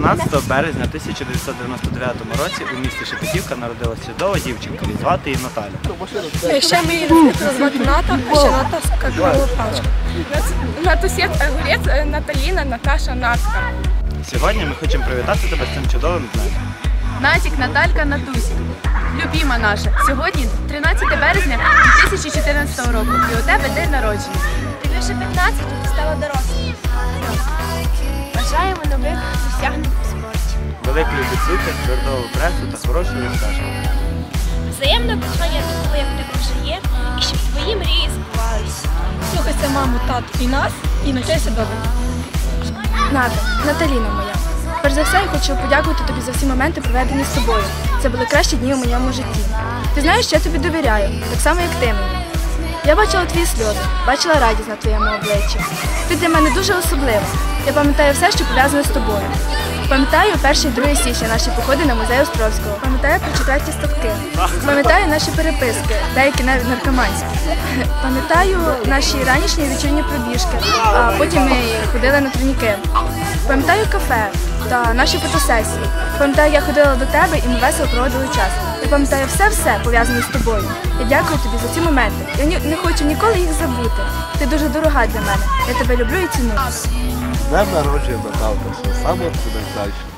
12 березня 1999 році у місті Шепетівка народилася чудова дівчинка, і звати її Наталя. Ще ми її звати Ната, а ще Натаска Головпачка. Натусєт Огурець, Наталіна, Наташа, Натка. Сьогодні ми хочемо привітати тебе з цим чудовим днем. Натік, Наталька, Натусік. Любіма наша. Сьогодні 13 березня 2014 року. І у тебе день народження. Тобі вже 15, ти стала дорослою. Бажаємо нових досягнень у спорті. Великої відсутки, твердого пресу та хорошої стажу. Взаємного кохання такого, як в тебе вже є, і щоб твої мрії збувалися. Слухайся маму, тату і нас, і навчайся добре. Ната, Наталіна моя. Перш за все, я хочу подякувати тобі за всі моменти, проведені з тобою. Це були кращі дні у моєму житті. Ти знаєш, що я тобі довіряю, так само, як ти мені. Я бачила твої сльози, бачила радість на твоєму обличчі. Ти для мене дуже особлива. Я пам'ятаю все, що пов'язане з тобою. Пам'ятаю 1 і 2 січня наші походи на музей Островського. Пам'ятаю про 4 ставки. Пам'ятаю наші переписки, деякі навіть наркоманські. Пам'ятаю наші ранішні і вечірні пробіжки, а потім ми ходили на турніки. Пам'ятаю кафе та наші фотосесії. Пам'ятаю, я ходила до тебе і ми весело проводили час. Я пам'ятаю все пов'язане з тобою. Я дякую тобі за ці моменти. Я не хочу ніколи їх забути. Ти дуже дорога для мене. Я тебе люблю і ціную. З днем народження, Наталка, все саме найкраще.